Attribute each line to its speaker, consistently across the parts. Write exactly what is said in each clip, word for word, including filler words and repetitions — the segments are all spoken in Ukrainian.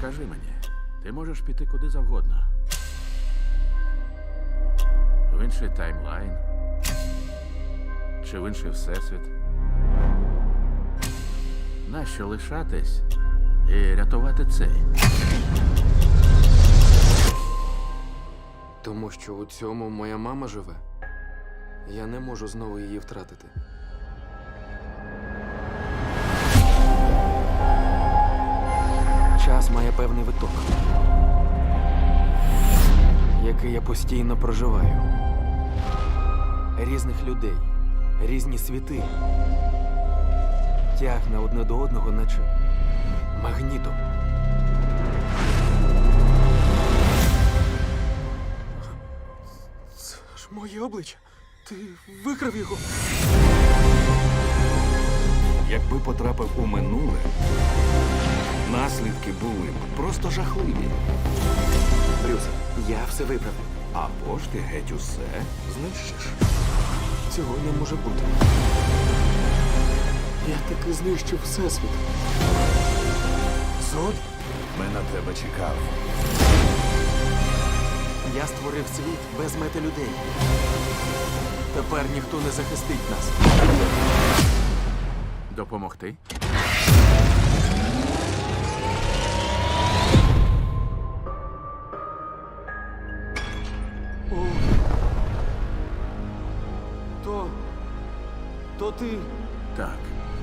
Speaker 1: Скажи мені, ти можеш піти куди завгодно. В інший таймлайн. Чи в інший всесвіт. Нащо лишатись і рятувати цей?
Speaker 2: Тому що у цьому моя мама живе. Я не можу знову її втратити. Час має певний виток, який я постійно проживаю. Різних людей, різні світи. Тягне одне до одного, наче магнітом. Це ж моє обличчя. Ти викрав його.
Speaker 3: Якби потрапив у минуле, наслідки були б просто жахливі.
Speaker 2: Брюс, я все виправив.
Speaker 3: Або ж ти геть усе знищиш.
Speaker 2: Цього не може бути. Я таки знищив всесвіт. Зод?
Speaker 3: Ми на тебе чекали.
Speaker 2: Я створив світ без мети людей. Тепер ніхто не захистить нас.
Speaker 1: Допомогти?
Speaker 2: О. То... То ти...
Speaker 1: Так.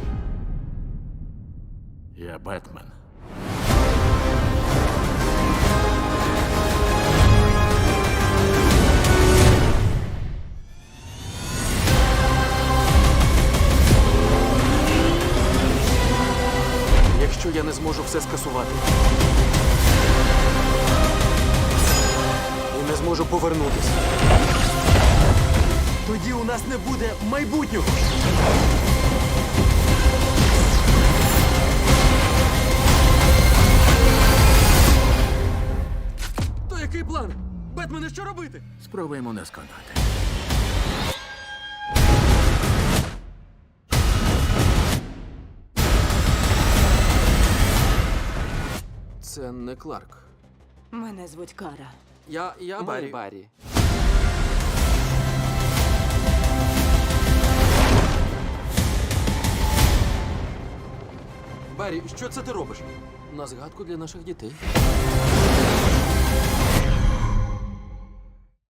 Speaker 1: Я Бетмен.
Speaker 2: Якщо я не зможу все скасувати і не зможу повернутися, тоді у нас не буде майбутнього. То який план? Бетмене, що робити?
Speaker 1: Спробуємо не сконати.
Speaker 2: Це не Кларк.
Speaker 4: Мене звуть Кара.
Speaker 2: Я... я Баррі. Баррі. Баррі, що це ти робиш? На згадку для наших дітей.